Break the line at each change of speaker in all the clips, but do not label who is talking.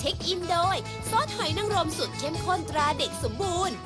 ช็คอินโดยซอสหอยนางรมสูตรเข้มข้นตราเด็กสมบูรณ์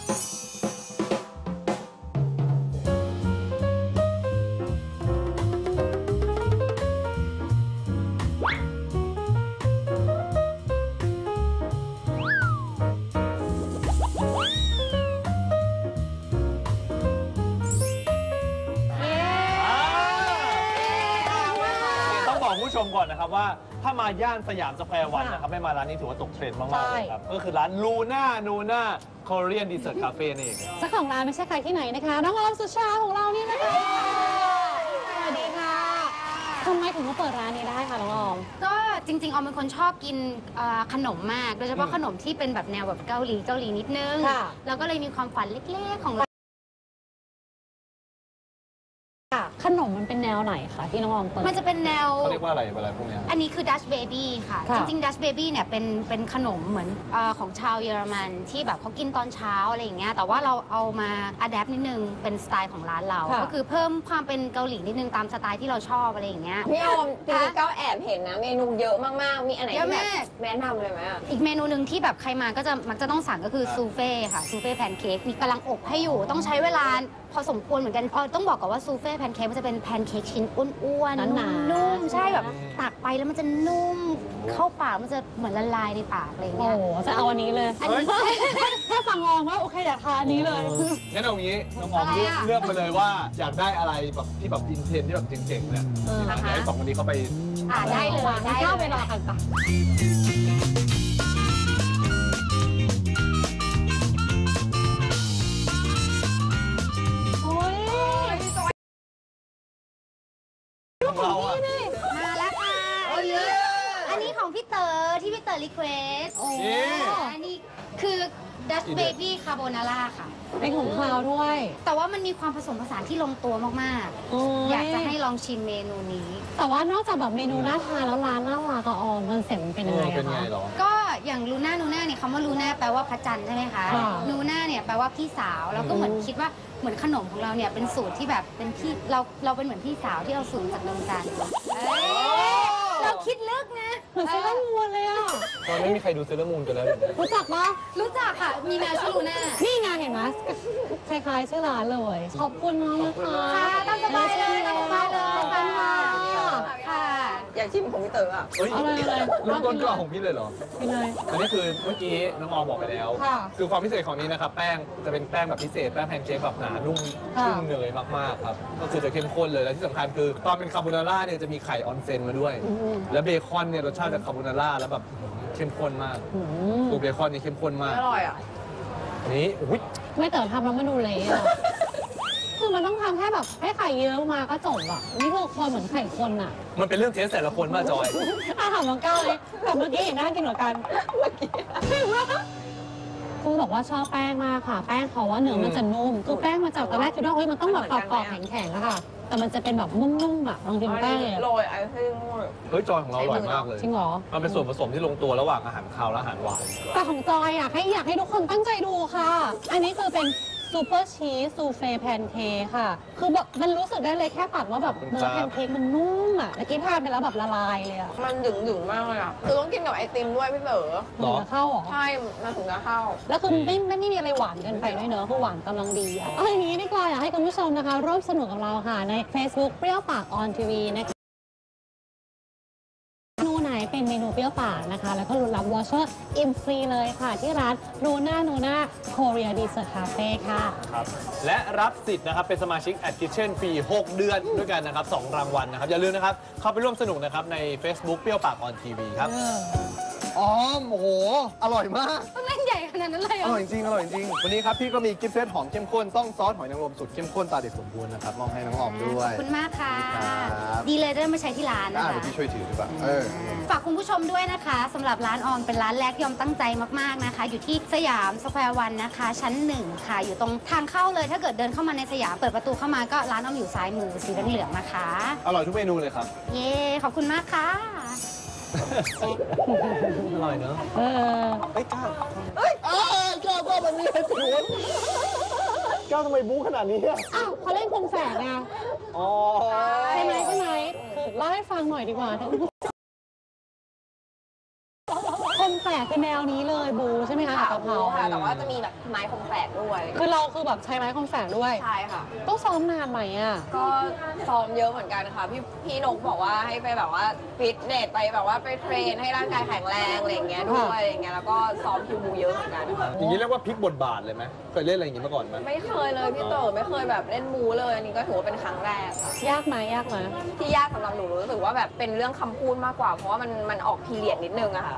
ผู้ชมก่อนนะครับว่าถ้ามาย่านสยามสแควร์วันนะครับไม่มาร้านนี้ถือว่าตกเทรนด์มากๆเลยครับก็คือร้านลูน่าคอเรียนดีเซอร์คาเฟ่นี่เอง
เจ้าของร้านไม่ใช่ใครที่ไหนนะคะน้องออมสุชาของเรานี่นะคะสวัสดีค่ะทำไมถึงมาเปิดร้านนี้ได้คะน้องออม
ก็จริงๆออมเป็นคนชอบกินขนมมากโดยเฉพาะขนมที่เป็นแบบแนวแบบเกาหลีนิดนึงแล้วก็เลยมีความฝันเล็กๆของเรา
ขนมมันเป็นแนวไหนคะที่น้องออมเปิด
มันจะเป็นแนว
เขาเรียกว่าอะไรพวกนี้
อันนี้คือ Dutch Baby ค่ะจริงๆ Dutch Baby เนี่ยเป็นขนมเหมือนของชาวเยอรมันที่แบบเขากินตอนเช้าอะไรอย่างเงี้ยแต่ว่าเราเอามาอัดแอปนิดนึงเป็นสไตล์ของร้านเราก็คือเพิ่มความเป็นเกาหลีนิดนึงตามสไตล์ที่เราชอบอะไรอย่างเงี้ย
พี่ออมจริงๆก็แอบเห็นนะเมนูเยอะมากๆมีอันไหนที่แบบแนะนำเลยไหม
อีกเมนูหนึ่งที่แบบใครมาก็จะมักจะต้องสั่งก็คือซูเฟ่ค่ะซูเฟ่แพนเค้กมีกำลังอบให้อยู่ต้องใช้เวลาพอสมควรเหมือนกันต้องบอกก่อนว่าซูเฟ่แพนเค้กมันจะเป็นแพนเค้กชิ้นอ้วนๆนุ่มๆใช่แบบตักไปแล้วมันจะนุ่มเข้าปากมันจะเหมือนละลายในปากอะไรเงี้ย
โอ้จะเอาอันนี้เลยแค่ฟังออมว่าโอเคอยากทานอันนี้เลย
งั้นเอางี้น้องออมเลือกมาเลยว่าอยากได้อะไรแบบที่แบบอินเทรนที่แบบเจ๋งๆเนี่ยเดี๋ยวให้สองคนนี้เขาไป
ได้เลย
เข้าไปรอกันปะ
มาแล้วค่ะอันนี้ของพี่เต๋อที่พี่เต๋อรีเควสอันนี้คือ Dutch Baby Carbonara ค่ะ
เป็นของคาวด้วย
แต่ว่ามันมีความผสมผสานที่ลงตัวมากๆอยากจะให้ลองชิมเมนูนี้
แต่ว่านอกจากแบบเมนูน่าทานแล้วร้านน่ารักก็ออมคอนเซ็ปต์มันเป็นยังไงคะ
ก็อย่างลูน่าเนี่ยคำว่าลูน่าแปลว่าพระจันทร์ใช่ไหมคะลูน่าเนี่ยแปลว่าพี่สาวแล้วก็เหมือนคิดว่าเหมือนขนมของเราเนี่ยเป็นสูตรที่แบบเป็นพี่เราเป็นเหมือนพี่สาวที่เราสูตรจากดวงจันทร์เราคิดลึกนะ
เหมือนเซเลอร์มูนเลยอ่ะ
ตอนไม่มีใครดูเซเลอร์มูนกันแล้ว
รู้จักปะ
รู้จักค่ะมีแมวชื่อลูน่า
นี่ไงเห็นไหมคล้ายๆชื่อร้านเลยขอบคุณน้องนะคะ
ตามสบายเลยตามสบายเลยค่ะ
อยากชิมของพี่เต๋ออ่ะ
อะไร
เริ่มต้นก็ของพี่เลยเหรอ
พี่เลย
อันนี้คือเมื่อกี้น้องออมบอกไปแล้วคือความพิเศษของนี้นะครับแป้งจะเป็นแป้งแบบพิเศษแป้งแพนเค้กแบบหนานุ่มชุ่มเนยมากๆครับก็คือจะเข้มข้นเลยและที่สำคัญคือตอนเป็นคาโบนาร่าเนี่ยจะมีไข่ออนเซนมาด้วยแล้วเบคอนเนี่ยรสชาติจากคาโบนาร่าแล้วแบบเข้มข้นมากตัวเบคอนนี่เข้มข้นมาก
อร่อยอ่ะ
นี่อุ้ย
ไม่เต๋อทำแล้วมันดูเละอ่ะคือมันต้องทำแค่แบบให้ไข่เยอะมาก็จบอ่ะนี่คือคนเหมือนไข่คนอ่ะ
มันเป็นเรื่องเทสแต่ละคนมาจอย
ถามน้องก้าวเลยแบบเมื่อกี้เห็นน่ากินเหมือนกันเมื่อกี้คือบอกว่าชอบแป้งมากค่ะแป้งเขาว่าเนื้อมันจะนุ่มคือแป้งมาจากตอนแรกคิดว่าเฮ้ยมันต้องแบบกรอบๆแข็งๆอะค่ะแต่มันจะเป็นแบบนุ่มๆอ่ะลองกินแป้งเลย
โรยไอซิ่ง
เฮ้ยจอยของเราอร่อยมากเลย
จริงเหรอ
มันเป็นส่วนผสมที่ลงตัวระหว่างอาหารคาวและอาหารหวาน
แต่ของจอยอยากให้ทุกคนตั้งใจดูค่ะอันนี้คือเป็นซูเปอร์ชีสซูเฟ่แพนเค้กค่ะคือแบบมันรู้สึกได้เลยแค่ตัดว่าแบบเนื้อแพนเค้กมันนุ่มอ่ะเมื่อกี้ทานไปแล้วแบบละลายเลยอ่ะ
มันดึงมากเลยอ่ะคือต้องกินกับไอติมด้วยพี่เต๋อ
ถึงจะเข้าหรอ
ใช่มันถึงจะเข้า
แล้วคือไม่มีอะไรหวานเกินไปด้วยเนอะคือหวานกำลังดีอ่ะเอาอย่างนี้ดีกว่าอยากให้คุณผู้ชมนะคะร่วมสนุกกับเราค่ะใน Facebook เปรี้ยวปากออนทีวีนะคะเป็นเมนูเปรี้ยวปากนะคะแล้วก็รุนรับวอเชอร์อิ่มฟรีเลยค่ะที่ร้านนูน่าโคเรียดีเซอร์คาเฟ่ค่ะ
ครับและรับสิทธิ์นะครับเป็นสมาชิกแอดคิทเช่นฟรี6 เดือนด้วยกันนะครับ2 รางวัลนะครับอย่าลืมนะครับเข้าไปร่วมสนุกนะครับใน Facebook เปรี้ยวปากออนทีวีครับอ๋อโอ้โหอร่อยมาก
ต้องเล่นใหญ่ขนาดนั้นเลย
อร่อยจริงวันนี้ครับพี่ก็มีกิฟต์เซตหอมเข้มข้นต้องซอสหอยนางรมสุดเข้มข้นตาเด็กสมบูรณ์นะครับมอบให้น้องออมด้วย
ขอบคุณมากค่ะดีเลยได้มาใช้ที่ร้านนะคะ
เดี๋ยวพี่ช่วยถือดีกว่า
ฝากคุณผู้ชมด้วยนะคะสำหรับร้านออมเป็นร้านแรกที่ออมตั้งใจมากๆนะคะอยู่ที่สยามสแควร์วันนะคะชั้น1ค่ะอยู่ตรงทางเข้าเลยถ้าเกิดเดินเข้ามาในสยามเปิดประตูเข้ามาก็ร้านออมอยู่ซ้ายมือสีเหลืองๆนะคะ
อร่อยทุกเมนูเลยครับ
เย้ขอบคุณมากค่ะ
อร่อยเนอะไอ้ก้าวก้าวมันมีอะไรสวนก้าวทำไมบู๊ขนาดนี้
อ้าวเขาเล่นคงแฝกไงใช่ไหมเล่าให้ฟังหน่อยดีกว่าคงนแฝกคือแนวนี้เลยบูใช่ไหมคะกับกะเพรา
ค่ะแต่ว่าจะมีแบบไม้คมแฝกด้วย
คือเราคือแบบใช้ไม้คมแฝกด้วย
ใช่ค่ะ
ต้องซ้อมนานไหมอ่ะ
ก็ซ้อมเยอะเหมือนกันค่ะพี่นกบอกว่าให้ไปแบบว่าฟิตเนสไปแบบว่าไปเทรนให้ร่างกายแข็งแรงอะไรอย่างเงี้ยด้วยอะไรอย่างเงี้ยแล้วก็ซ้อมคิวบูเยอะเหมือนกันค่ะ
อย่างนี้เรียกว่าพลิกบทบาทเลยไหมเคยเล่นอะไรอย่างนี้มาก่อนไหม
ไม่เคยเลยพี่เต๋อไม่เคยแบบเล่นบูเลยอันนี้ก็ถือว่าเป็นครั้งแรกค่ะ
ยากไหมยากไหม
ที่ยากสำหรับหนูรู้สึกว่าแบบเป็นเรื่องคำพูดมากกว่า เพราะว่ามันออกพีเรียดนิดนึงอะค่ะ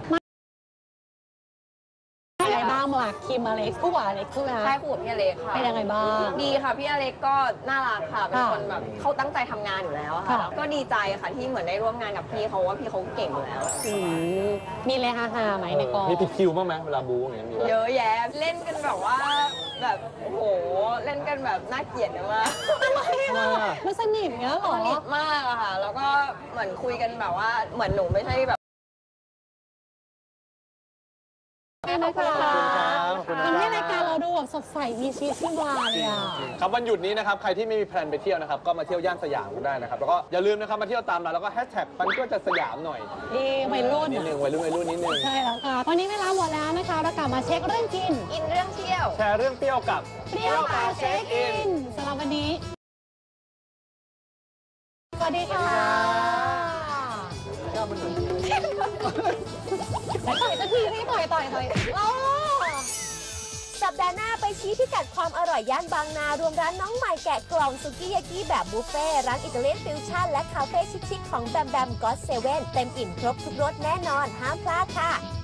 อะไรบ้างมาคิมอเล็กซ์คู่หวานอเล็กซ์ใช่ไหม
ใช่คู่กับพี่อเล็กค่ะ
เป็นยังไงบ้าง
ดีค่ะพี่อเล็กก็น่ารักค่ะเป็น
ค่ะ
คนแบบเขาตั้งใจทำงานอยู่แล้วอะค่ะ
ค่ะ
ก็ดีใจค่ะที่เหมือนได้ร่วมงานกับพี่เขาว่าพี่เขาเก่งอยู่แล้ว
มีอะไรฮาๆไหมในกอง
มีผิดคิวบ้างไหมเวลาบูอย่างเงี้ยมีปะ
เยอะแยะเล่นกันแบบว่าแบบโอ้โหเล่นกันแบบน่าเกลียดมาก
มันสนิทเงี้ยเหรอ
สนิทมากอะค่ะ แล้วก็เหมือนคุยกันแบบว่าเหมือนหนูไม่ใช่แบบ
ขอบคุณค่ะ
ขอบคุณครับ
ทำให้รายการเราดูแบบสดใสมีชีวิตชีวาเลยอ่ะ
ครับวันหยุดนี้นะครับใครที่ไม่มีแพลนไปเที่ยวนะครับก็มาเที่ยวย่านสยามกันได้นะครับแล้วก็อย่าลืมนะครับมาเที่ยวตามเราแล้วก็แฮชแท็กปันก็จะสยามหน่อย
ดีวัยรุ่น
นิดนึงวัยรุ่นนิดนึง
ใช่แล้วค่ะ ตอนนี้เวลาหมดแล้วนะคะเรากลับมาเช็คเรื่องกิน
อินเรื่องเที่ยว
แชร์เรื่องเปรี้ยวกับ
เปรี้ยวปากเช็คอินสำหรับวันนี้ สวัสดีค่ะต่อยสักทีสิต่อยโอ้
สัปดาห์หน้าไปชี้พิกัดความอร่อยย่านบางนารวมร้านน้องใหม่แกะกล่องซุกี้ยากิแบบบุฟเฟ่ต์ร้านอิตาเลียนฟิวชั่นและคาเฟ่ชิคๆของแบมแบมก็อตเซเว่นเต็มอิ่มครบทุกรสแน่นอนห้ามพลาดค่ะ